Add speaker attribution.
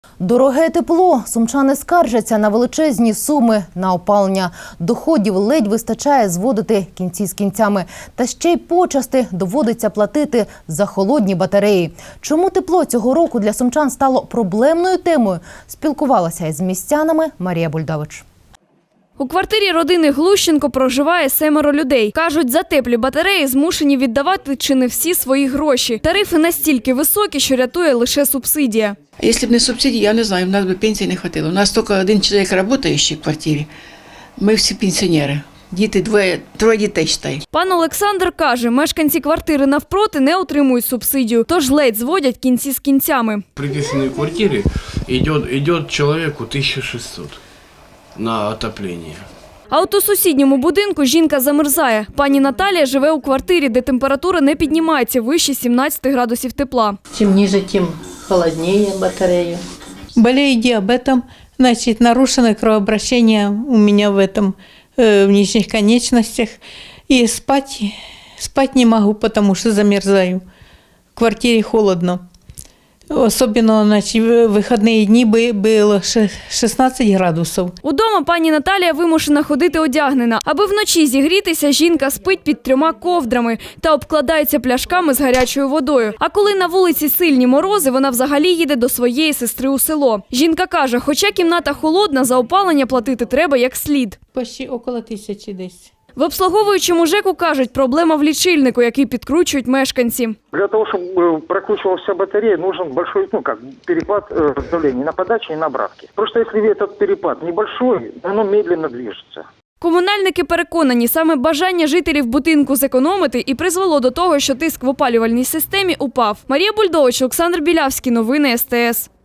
Speaker 1: Дороге тепло. Сумчани скаржаться на величезні суми на опалення. Доходів ледь вистачає зводити кінці з кінцями. Та ще й почасти доводиться платити за холодні батареї. Чому тепло цього року для сумчан стало проблемною темою? Спілкувалася із містянами Марія Бульдович.
Speaker 2: У квартирі родини Глущенко проживає 7 людей. Кажуть, за теплі батареї змушені віддавати чи не всі свої гроші. Тарифи настільки високі, що рятує лише субсидія.
Speaker 3: Якщо б не субсидії, я не знаю, в нас би пенсії не вистачило. У нас тільки один чоловік працює ще в квартирі. Ми всі пенсіонери. Діти, троє дітей, считай.
Speaker 2: Пан Олександр каже, мешканці квартири навпроти не отримують субсидію, тож ледь зводять кінці з кінцями.
Speaker 4: В приписанной квартире идет человеку 1600 на отопление.
Speaker 2: А от у сусідньому будинку жінка замерзає. Пані Наталія живе у квартирі, де температура не піднімається вище 17 градусів тепла.
Speaker 5: Чем ниже, тем холоднее батарея.
Speaker 6: Болею диабетом, значит, нарушено кровообращение у меня в нижних конечностях. И спать не могу, потому что замерзаю. В квартире холодно. Особенно, значит, в выходные дни было 16 градусів.
Speaker 2: Удома пані Наталія вимушена ходити одягнена. Аби вночі зігрітися, жінка спить під 3 ковдрами та обкладається пляшками з гарячою водою. А коли на вулиці сильні морози, вона взагалі їде до своєї сестри у село. Жінка каже, хоча кімната холодна, за опалення платити треба як слід.
Speaker 6: Почти около 1000 десь.
Speaker 2: В обслуговуючому ЖЕКу кажуть, проблема в лічильнику, який підкручують мешканці.
Speaker 7: Для того, чтобы прокручивалась батарея, нужен большой, перепад давления на подаче и на обратке. Просто если этот перепад небольшой, оно медленно движется.
Speaker 2: Комунальники переконані, саме бажання жителів будинку зекономити і призвело до того, що тиск в опалювальній системі упав. Марія Бульдович, Олександр Білявський. Новини СТС.